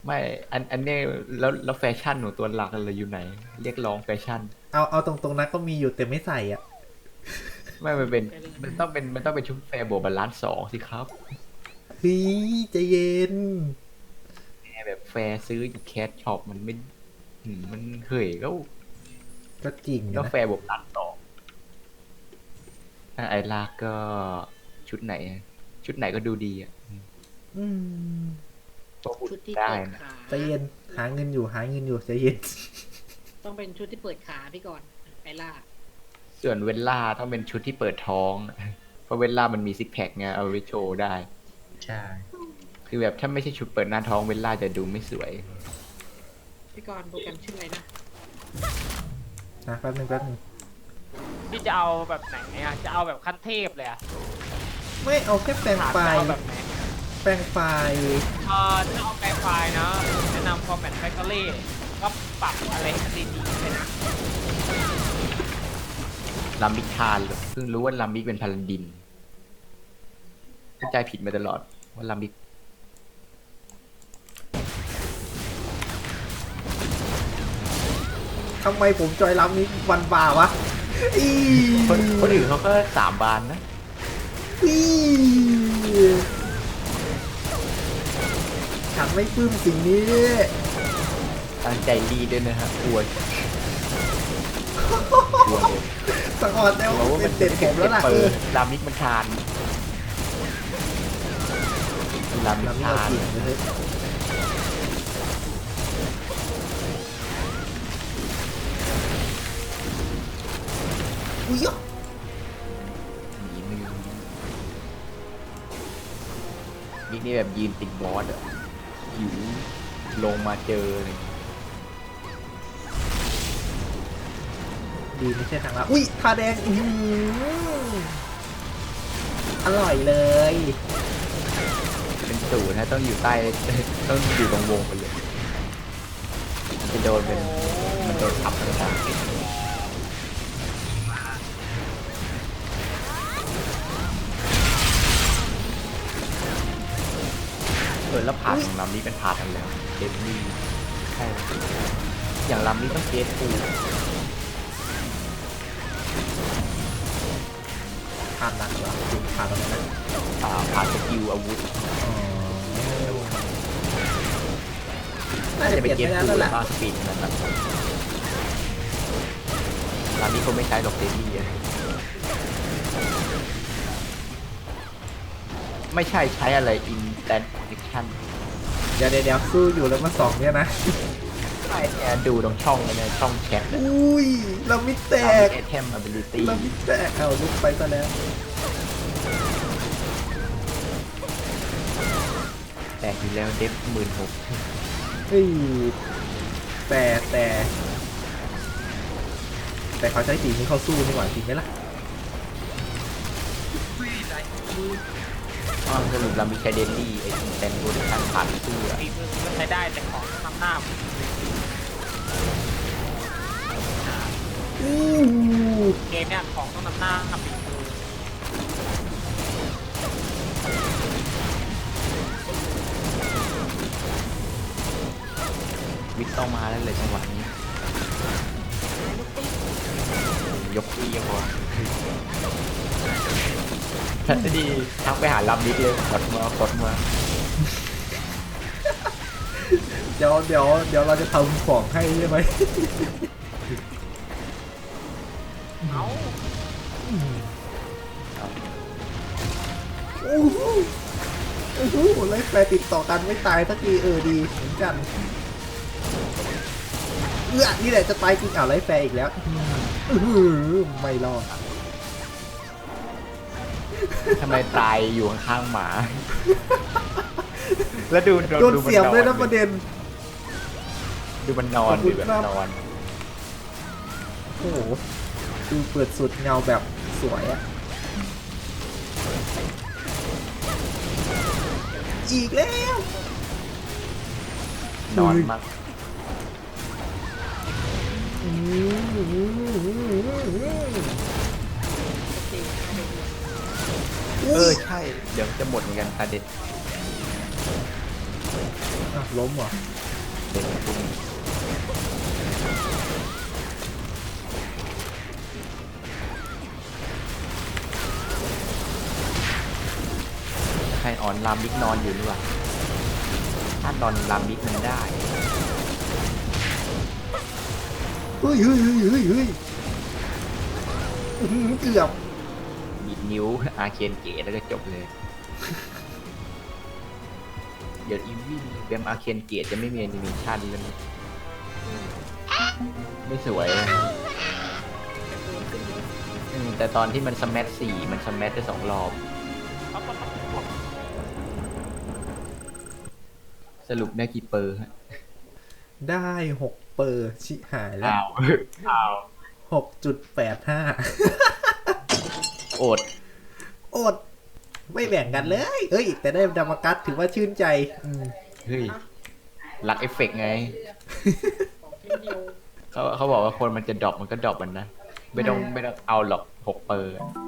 ไม่อันเนี้ยแล้วแฟชั่นของตัวหลักเราอยู่ไหนเรียกร้องแฟชั่นเอาตรงๆนะก็มีอยู่แต่ไม่ใส่อ่ะไม่มันเป็นมันต้องเป็นชุดแฟร์บวกบาลานซ์สองสิครับเฮ้ยใจเย็นแฟร์แบบแฟร์ซื้ออยู่แคชช็อปมันไม่มันเคยก็ก็จริงแล้วนะแฟร์บวกบาลานซ์สองไอ้ลากก็ชุดไหนชุดไหนก็ดูดีอ่ะอืมตัวบุญชุดที่ได้เปิดนะขาใจเย็นหาเงินอยู่ใจเย็นต้องเป็นชุดที่เปิดขาพี่ก่อนไอล่าส่วนเวลล่าต้องเป็นชุดที่เปิดท้องเพราะเวลล่ามันมีซิกแพคไงเอาไว้โชว์ได้ใช่คือแบบถ้าไม่ใช่ชุดเปิดหน้าท้องเวลล่าจะดูไม่สวยพี่กรณ์โปรแกรมชื่ออะไรนะนะแป๊บนึงพี่จะเอาแบบไหนอ่ะจะเอาแบบขั้นเทพเลยอ่ะไม่เอาแค่แปลงถามไฟล์จะเอาแบบไหนแปลงไฟล์ถ้าเอาแปลงไฟล์นะแนะนำ Format Factory ก็ปรับอะไรให้มันดีๆเลยนะลามิกทานเหรอเพิ่งรู้ว่าลามิกเป็นพาลันดินเข้าใจผิดมาตลอดว่าลามิกทำไมผมจอยล้ำนี้วันบ่าวะอีคนอื่นเขาก็สามบานนะอีฉันไม่ปลื้มสิ่งนี้ตั้งใจรีดด้วยนะฮะกลัวเลยสะออนแล้วกลัวว่าเป็มันนเด็ดผมแล้วล่ะเปิดลามิกมันทานลามิกล้ำนี้ทาเอานจริงเลยอุ้ยยะหนีมือมิกนี่แบบยืนติดบอสอะหิวลงมาเจอเลยดีไม่ใช่ทางลับอุ้ยทาแดงอร่อยเลยเป็นสูตรนะต้องอยู่ใต้ ต้องอยู่ตรงวงไปเลยจะโดนเป็นมันโดนทับเลยนะแล้วผ่านของลำนี้เป็นผ่านกันแล้วเดมมี่ใช่อย่างลำนี้ต้องเกสฟูผ่านหนักเหรอถึงผ่านตรงนั้นนะผ่านสกิลอาวุธอ๋อน่าน่าจะจะเปเป็นลี่ยนเกไปสแล้วฟูนั่นแหละแล้วก็สปีดนะครับลำนี้เขาไม่ใช้หรอกเดมมี่อะไม่ใช่ใช้อะไร instant protection เดี๋ยวสู้อยู่แล้วมาสองเนี่ยนะใช่เนี่ยดูตรงช่องเลยนะช่องแชทเนี่ยอุ้ยเราไม่แตลำนี้กไอเทม ability เราไม่แตกเอาลุกไปซะแล้วแต่อยู่แล้วเดฟ16,000 เฮ้ยแต่เขาใช้สีนี้เขาสู้นี่หว่าจริงไหมล่ะอ๋อสรุปเรามีใช้เดนลี่ไอ้แตนโปรดักชั่นผ่านเสื้อฝีมือก็ใช้ได้แต่ของต้องนำหน้าอู้เกมเนี่ยของต้องนำหน้าฝีมือวิทต้องมาแล้วเลยจังหวะนี้ ยกที่ยังพอถ้าจะดีทักไปหาลำนิดเลยกดมาเดี๋ยวเราจะทำของให้ใช่ไหมเอ้าโอ้โหโอ้โหไล่แฟร์ติดต่อกันไม่ตายสักทีดีเหมือนกันนี่แหละจะตายจริงไล่แฟร์อีกแล้วไม่รอดทำไมตายอยู่ข้างๆหมา แล้วดูโดนเสียบเลยนะประเด็นดูมันนอนดูแบบนอนโอ้โหดูเปิดสุดเงาแบบสวยอะอีกแล้วนอนมากใช่ เดี๋ยวจะหมดเหมือนกันตาเด็ดล้มเหรอเป็นพวกนี้ใครอ่อนลามบิ๊กนอนอยู่หรือเปล่าถ้านอนลามบิ๊กมันได้เฮ้ยเฮ้ยเฮ้ยเฮ้ยเฮ้ยอื้อหือเกือบบีบนิ้วอาเคนเกตแล้วก็จบเลย เดี๋ยวอีวี่เกมอาเคนเกตจะไม่มีแอนิเมชันเลยไม่สวยเลยแต่ตอนที่มันสแมท4มันสแมทได้2 รอบ สรุปได้กี่เปอร์ฮะได้6 เปอร์ชิหายแล้วอ้าว 6.85 อดอด ไม่แบ่งกันเลย เอ้ย แต่ได้ดามากัสถือว่าชื่นใจเฮ้ยรักเอฟเฟกต์ไงของชิ้นเดียวเขาบอกว่าคนมันจะดรอปมันก็ดรอปมันนะ ไม่ต้องเอาหรอก6 เปอร์